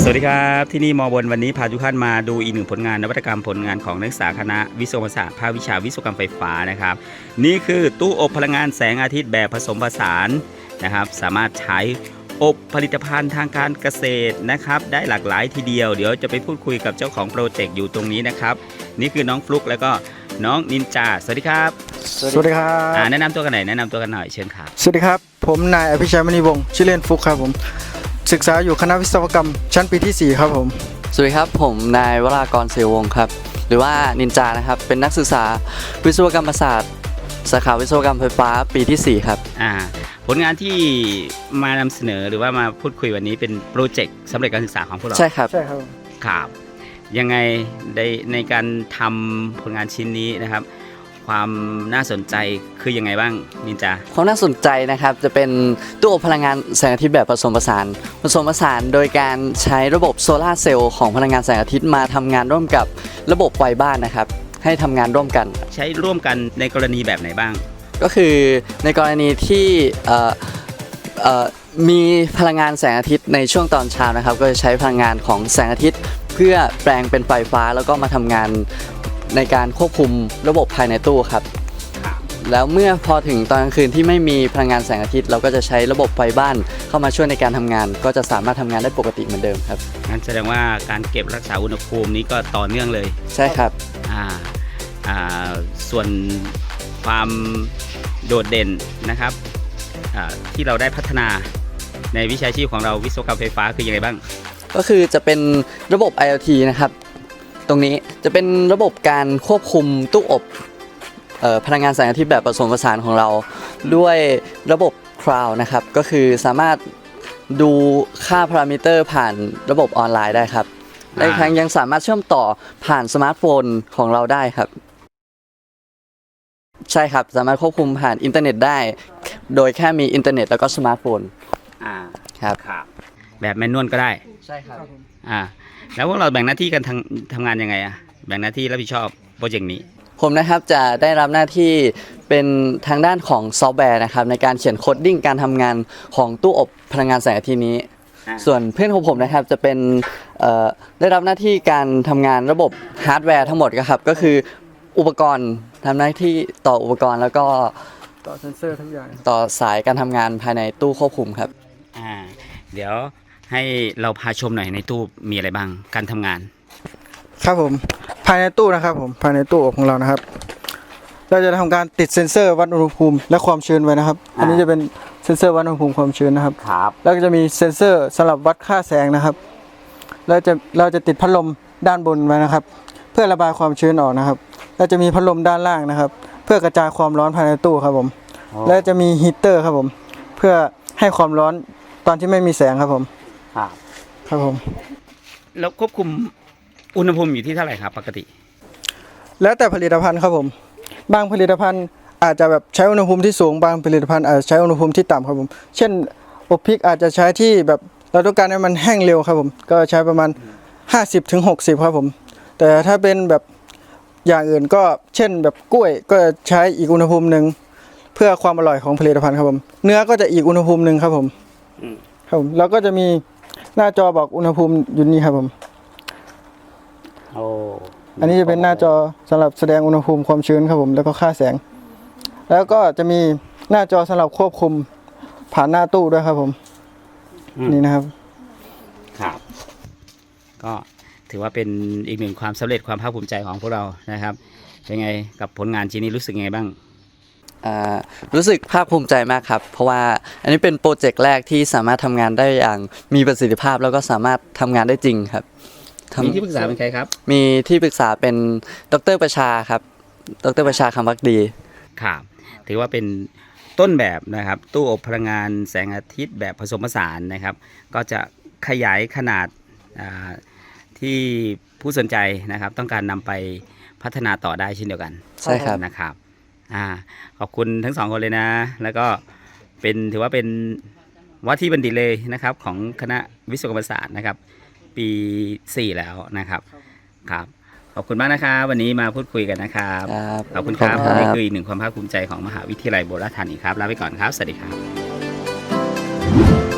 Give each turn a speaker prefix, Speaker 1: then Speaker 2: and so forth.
Speaker 1: วัสดีครับที่นี่มอบนวันนี้พาทุกท่านมาดูอีกหนึ่งผลงานนวัตกรรมผลงานของนักศึกษาคณะวิศวศาสตร์ภาควิชาวิศวกรรมไฟฟ้านะครับนี่คือตู้อบพลังงานแสงอาทิตย์แบบผสมผสานนะครับสามารถใช้อบผลิตภัณฑ์ทางการเกษตรนะครับได้หลากหลายทีเดียวเดี๋ยวจะไปพูดคุยกับเจ้าของโปรเจกต์อยู่ตรงนี้นะครับนี่คือน้องฟลุกแล้วก็น้องนินจาสวัสดีครับ
Speaker 2: สวัสดีครับ
Speaker 1: แนะนำตัวกันหน่อยแนะนำตัวกันหน่อยเชิญครับ
Speaker 2: สวัสดีครับผมนายอภิชัยมณีวงศ์ชื่อเล่นฟุกครับผมศึกษาอยู่คณะวิศวกรรมชั้นปีที่4ครับผม
Speaker 3: สวัสดีครับผมนายวรากรเสวงศ์ครับหรือว่านินจานะครับเป็นนักศึกษาวิศวกรรมศาสตร์สาขาวิศวกรรมไฟฟ้าปีที่4ครับ
Speaker 1: ผลงานที่มานำเสนอหรือว่ามาพูดคุยวันนี้เป็นโปรเจกต์สำเร็จการศึกษาของพวกเรา
Speaker 3: ใช่ครับ
Speaker 1: ครับยังไงในการทำผลงานชิ้นนี้นะครับความน่าสนใจคือยังไงบ้างนินจา
Speaker 3: ความน่าสนใจนะครับจะเป็นตู้อบพลังงานแสงอาทิตย์แบบผสมผสานโดยการใช้ระบบโซลาร์เซลล์ของพลังงานแสงอาทิตย์มาทำงานร่วมกับระบบไฟบ้านนะครับให้ทำงานร่วมกัน
Speaker 1: ใช้ร่วมกันในกรณีแบบไหนบ้าง
Speaker 3: ก็คือในกรณีที่มีพลังงานแสงอาทิตย์ในช่วงตอนเช้านะครับก็จะใช้พลังงานของแสงอาทิตย์เพื่อแปลงเป็นไฟฟ้าแล้วก็มาทำงานในการควบคุมระบบภายในตู้ครับแล้วเมื่อพอถึงตอนกลางคืนที่ไม่มีพลังงานแสงอาทิตย์เราก็จะใช้ระบบไฟบ้านเข้ามาช่วยในการทำงานก็จะสามารถทำงานได้ปกติเหมือนเดิมครับ
Speaker 1: งั้นแสดงว่าการเก็บรักษาอุณหภูมินี้ก็ต่อเนื่องเลย
Speaker 3: ใช่ครับ
Speaker 1: ส่วนความโดดเด่นนะครับที่เราได้พัฒนาในวิชาชีพของเราวิศวกรรมไฟฟ้าคือยังไงบ้าง
Speaker 3: ก็คือจะเป็นระบบ IoT นะครับตรงนี้จะเป็นระบบการควบคุมตู้อบพลังงานแสงอาทิตย์แบบผสมผสานของเราด้วยระบบ Cloud นะครับก็คือสามารถดูค่าพารามิเตอร์ผ่านระบบออนไลน์ได้ครับและอีกทั้งยังสามารถเชื่อมต่อผ่านสมาร์ทโฟนของเราได้ครับใช่ครับสามารถควบคุมผ่านอินเทอร์เน็ตได้โดยแค่มีอินเทอร์เน็ตแล้วก็สมาร์ทโฟนครับ
Speaker 1: แบบแมนนวลก็ได้
Speaker 3: ใช่ครับ
Speaker 1: แล้วพวกเราแบ่งหน้าที่กันทำงานยังไงแบ่งหน้าที่รับผิดชอบโปรเจกต์นี้
Speaker 3: ผมนะครับจะได้รับหน้าที่เป็นทางด้านของซอฟต์แวร์นะครับในการเขียนโคดดิ้งการทำงานของตู้อบพลังงานแสงอาทิตย์นี้ส่วนเพื่อนของผมนะครับจะเป็นได้รับหน้าที่การทำงานระบบฮาร์ดแวร์ทั้งหมดครับก็คืออุปกรณ์ทำหน้าที่ต่ออุปกรณ์แล้วก็
Speaker 2: ต่อเซนเซอร์ทุกอย่าง
Speaker 3: ต่อสายการทำงานภายในตู้ควบคุมครับ
Speaker 1: เดี๋ยวให้เราพาชมหน่อยในตู้มีอะไรบ้างการทำงาน
Speaker 2: ครับผมภายในตู้นะครับผมภายในตู้อบของเรานะครับเราจะทำการติดเซ็นเซอร์วัดอุณหภูมิและความชื้นไว้นะครับอันนี้จะเป็นเซ็นเซอร์วัดอุณหภูมิความชื้นนะครับแล้วก็จะมีเซ็นเซอร์สำหรับวัดค่าแสงนะครับเราจะติดพัดลมด้านบนไว้นะครับเพื่อระบายความชื้นออกนะครับแล้วจะมีพัดลมด้านล่างนะครับเพื่อกระจายความร้อนภายในตู้ครับผมและจะมีฮีตเตอร์ครับผมเพื่อให้ความร้อนตอนที่ไม่มีแสงครับผมครับผม
Speaker 1: แล้วควบคุมอุณหภูมิอยู่ที่เท่าไหร่ครับปกติ
Speaker 2: แล้วแต่ผลิตภัณฑ์ครับผมบางผลิตภัณฑ์อาจจะแบบใช้อุณหภูมิที่สูงบางผลิตภัณฑ์อาจจะใช้อุณหภูมิที่ต่ำครับผมเช่นอบพริกอาจจะใช้ที่แบบเราต้องการให้มันแห้งเร็วครับผมก็ใช้ประมาณ50 ถึง 60ครับผมแต่ถ้าเป็นแบบอย่างอื่นก็เช่นแบบกล้วยก็ใช้อีกอุณหภูมิหนึ่งเพื่อความอร่อยของผลิตภัณฑ์ครับผมเนื้อก็จะอีกอุณหภูมิหนึ่งครับผมครับผมแล้วก็จะมีหน้าจอบอกอุณหภูมิอยู่นี่ครับผมอันนี้จะเป็นหน้าจอสำหรับแสดงอุณหภูมิความชื้นครับผมแล้วก็ค่าแสงแล้วก็จะมีหน้าจอสำหรับควบคุมผ่านหน้าตู้ด้วยครับผมนี่นะครับ
Speaker 1: ก็ถือว่าเป็นอีกหนึ่งความสำเร็จความภาคภูมิใจของพวกเรานะครับเป็นไงกับผลงานชิ้นนี้รู้สึกไงบ้าง
Speaker 3: รู้สึกภาคภูมิใจมากครับเพราะว่าอันนี้เป็นโปรเจกต์แรกที่สามารถทำงานได้อย่างมีประสิทธิภาพแล้วก็สามารถทำงานได้จริงครับ
Speaker 1: มีที่ปรึกษาเป็นใครครับ
Speaker 3: มีที่ปรึกษาเป็นดร.ประชาครับดร.ประชาคำพักดี
Speaker 1: ครับถือว่าเป็นต้นแบบนะครับตู้อบพลังงานแสงอาทิตย์แบบผสมผสานนะครับก็จะขยายขนาดที่ผู้สนใจนะครับต้องการนำไปพัฒนาต่อได้เช่นเดียวกัน
Speaker 3: ใช่ครับ
Speaker 1: นะครับขอบคุณทั้งสองคนเลยนะแล้วก็ถือว่าเป็นว่าที่บัณฑิตเลยนะครับของคณะวิศวกรรมศาสตร์นะครับปี4แล้วนะครับครับขอบคุณมากนะครับวันนี้มาพูดคุยกันนะครับขอบคุณครับนี่คืออีกหนึ่งความภาคภูมิใจของมหาวิทยาลัยโบราณธานีครับลาไปก่อนครับสวัสดีครับ